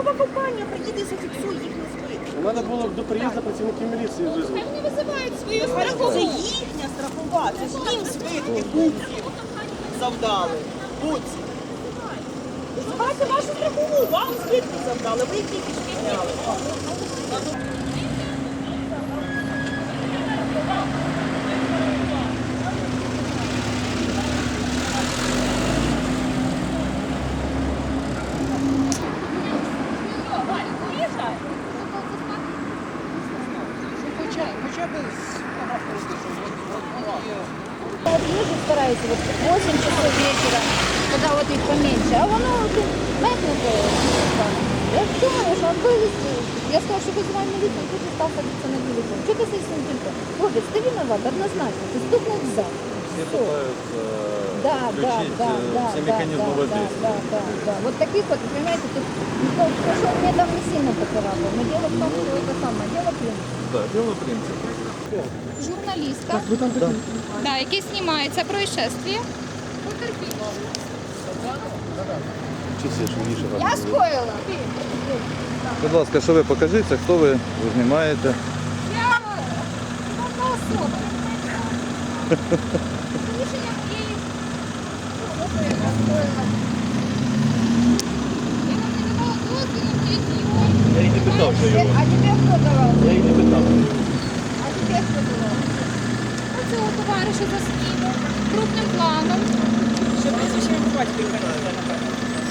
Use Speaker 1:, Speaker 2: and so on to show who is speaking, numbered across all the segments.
Speaker 1: страхова компанія приїде і зафіксує їхні збитки.
Speaker 2: У мене було до приїзду працівників міліції визвали.
Speaker 3: Вони визивають свою страхову.
Speaker 1: Це їхня страхова, це ж їм збитки буців завдали. Буців. Визивайте вашу страхову, вам збитки завдали, ви їх тільки ж підняли.
Speaker 4: Езжу, стараюсь, вот 8 часов вечера, когда вот их поменьше, а оно метнуто. Я думаю, что он вывезти. Я сказала, что вызываем милицию, он тут же стал садиться на телефон. Что ты с этим делаешь? Хлопец, ты виноват, однозначно, ты стукнул в зад.
Speaker 5: Все пытаются включить все механизмы воздействия.
Speaker 4: Да. Вот таких вот, понимаете, тут никто, хорошо, мне там не сильно поцарапал, но дело в том, что это самое, дело в принципе.
Speaker 5: Да, дело в принципе.
Speaker 3: Журналістка, да, який знімає це происшествие. Потерпіла. Я скоїла.
Speaker 5: Будь ласка, що ви покажіться, хто ви знімаєте?
Speaker 3: Я одна особа. Рішення моєї особи я скоїла. Я вам не давала дозволу, мої знайомі.
Speaker 2: Я їй не питав, що його.
Speaker 4: А тебе кто давал?
Speaker 2: Я їй не питав.
Speaker 4: А тебе кто давал?
Speaker 3: Оцього товариша засніму крупним планом.
Speaker 1: Що прізвище по батькові хотіли, напевно.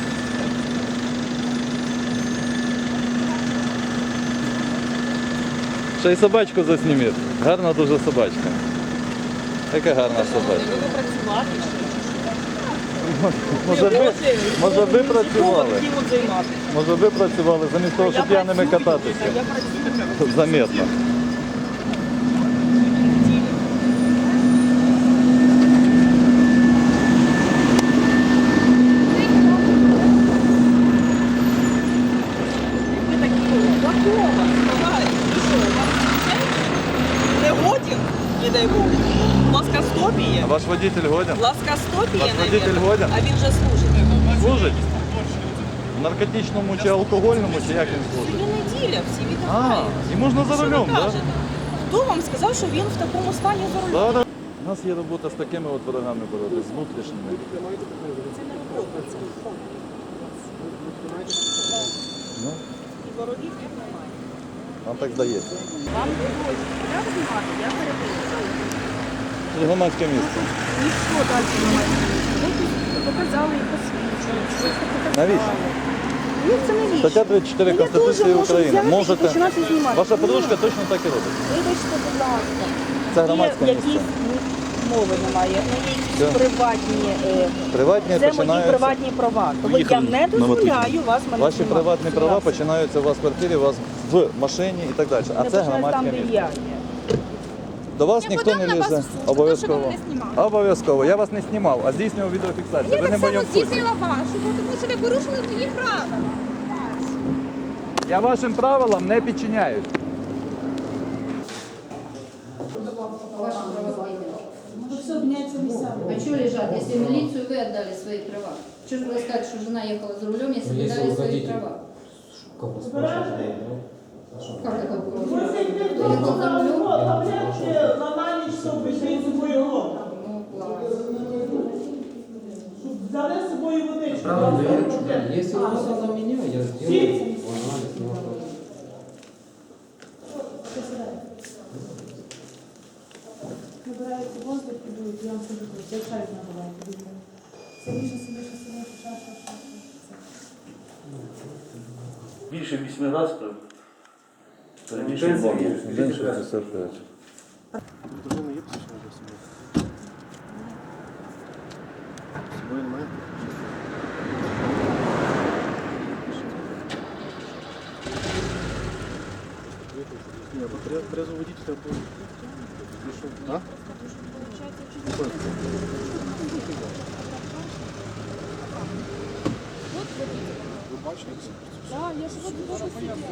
Speaker 5: Ще й собачку засніміть. Гарна дуже собачка. Яка гарна собачка.
Speaker 1: Ви працювати ще.
Speaker 5: Може ви працювали?
Speaker 1: Хотів от займатися.
Speaker 5: Може ви працювали замість того, щоб п'яними кататися?
Speaker 1: Я працюю.
Speaker 5: Заметно.
Speaker 1: Ви такі готова, сказали, ну що, у вас не годен, не дай Бог. Плоскостопіє.
Speaker 5: А ваш водитель годен?
Speaker 1: Плоскостопіє,
Speaker 5: Ваш водитель годен?
Speaker 1: а він вже служить.
Speaker 5: Служить? В наркотичному чи алкогольному, чи як він служить?
Speaker 1: Сьогодні неділя, всі
Speaker 5: А,
Speaker 1: віддихають.
Speaker 5: і можна за
Speaker 1: Що ви
Speaker 5: рулем, так?
Speaker 1: кажете? Хто вам сказав, що він в такому стані за рулем?
Speaker 5: Да? У нас є робота з такими от ворогами боротися, з внутрішніми.
Speaker 1: Це не робота, це хобі.
Speaker 5: Ну,
Speaker 1: І ворогів як немає.
Speaker 5: вам так здається.
Speaker 1: Вам доводять, як знімати, я переписую.
Speaker 5: Це громадське місце.
Speaker 1: Ніхто далі не має. Ви тут показали і посвідчили.
Speaker 5: Навіщо?
Speaker 1: Ні, це навіщо?
Speaker 5: Стаття 34
Speaker 1: Ну,
Speaker 5: Конституції
Speaker 1: я теж можу
Speaker 5: України.
Speaker 1: взяти і
Speaker 5: Можете.
Speaker 1: починати знімати.
Speaker 5: Ваша подружка точно так і робить.
Speaker 1: Вибачте, будь ласка.
Speaker 5: Це громадське
Speaker 1: Є
Speaker 5: місце.
Speaker 1: якісь мови немає, ну є
Speaker 5: Все.
Speaker 1: якісь приватні.
Speaker 5: Приватні
Speaker 1: Це мої
Speaker 5: починаються.
Speaker 1: приватні права. Тому я не дозволяю вас мене
Speaker 5: Ваші
Speaker 1: знімати.
Speaker 5: приватні права починаються у вас в квартирі, у вас в машині і так далі. А
Speaker 1: Не
Speaker 5: це
Speaker 1: починаю там,
Speaker 5: громадське
Speaker 1: де
Speaker 5: місце.
Speaker 1: я є.
Speaker 5: До вас
Speaker 3: Я
Speaker 5: ніхто
Speaker 3: подам
Speaker 5: не
Speaker 3: на вас
Speaker 5: лізе.
Speaker 3: в суд за те, що ви
Speaker 5: Обов'язково.
Speaker 3: мене знімали.
Speaker 5: Обов'язково. Я вас не знімав, а здійснював відеофіксацію.
Speaker 3: Я
Speaker 5: Ви не
Speaker 3: так
Speaker 5: в моєму
Speaker 3: само
Speaker 5: вкусі.
Speaker 3: здійснила вашу, тому що ви порушили мої правила.
Speaker 5: Я вашим правилам не підчиняюсь.
Speaker 4: А что лежат, если в милицию вы отдали свои права? Что же вы сказать, что жена ехала за рулем, если вы дали свои права? Как это было? Ехал за рулем? Ну, класс.
Speaker 6: Взяли з собою водичку.
Speaker 7: Правильно, если он за меня, я сделаю анализ, не вопрос.
Speaker 6: Набирається воздух, підуть, я вам скажу, це чай набирається. Сильніше, ша.
Speaker 2: Більше 8 разів переміщення
Speaker 5: День 65.
Speaker 2: Дружина є посвідчення для собою? З собою немає? Ні, бо трезво водитель треба було. А? Ви бачите це?
Speaker 3: Так, я ж от дуже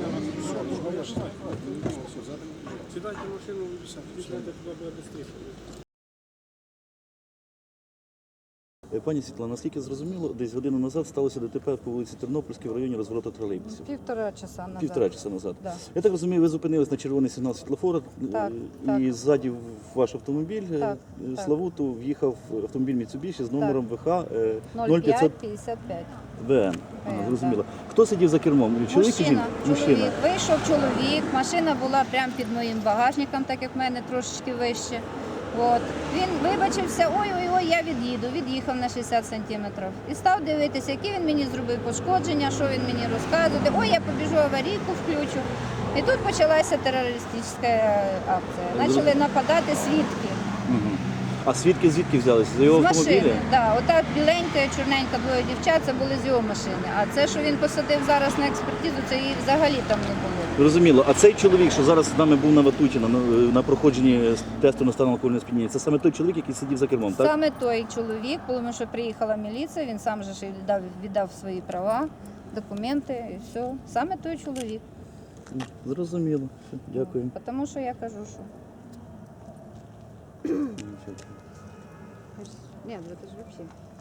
Speaker 2: Сідайте в машину, сідайте туди, буде швидше. Пані Світлана, наскільки зрозуміло, десь годину назад сталося ДТП по вулиці Тернопільській в районі розворота тролейбусів.
Speaker 4: 1,5 часа назад.
Speaker 2: Півтора часа назад.
Speaker 4: Да.
Speaker 2: Я так розумію, ви зупинились на червоний сигнал світлофора,
Speaker 4: Так,
Speaker 2: і ззаді в ваш автомобіль
Speaker 4: Так,
Speaker 2: Славуту в'їхав автомобіль Mitsubishi з номером ВХ 0555
Speaker 4: 0555.
Speaker 2: ВН. Зрозуміло. Хто сидів за кермом? Чоловік чи жінка?
Speaker 4: Чоловік. Вийшов чоловік, машина була прямо під моїм багажником, так як в мене трошечки вище. От. Він вибачився, ой-ой-ой, я від'їхав на 60 сантиметрів. І став дивитися, які він мені зробив пошкодження, що він мені розказує. Ой, я побіжу аварійку включу. І тут почалася терористична акція. Почали нападати свідки.
Speaker 2: А свідки звідки взялися? За його
Speaker 4: З
Speaker 2: автомобіля?
Speaker 4: машини, да. Ота біленька, чорненька, двоє дівчат, це були з його машини. А це, що він посадив зараз на експертизу, це її взагалі там не було.
Speaker 2: Зрозуміло. А цей чоловік, що зараз з нами був на Ватутіна на проходженні тесту на стан алкогольного сп'яніння, це саме той чоловік, який сидів за кермом, так?
Speaker 4: Саме той чоловік, тому що приїхала міліція, він сам же ж віддав свої права, документи і все. Саме той чоловік.
Speaker 2: Зрозуміло. Все, дякую.
Speaker 4: Тому що я кажу, що. Ні, це ж взагалі.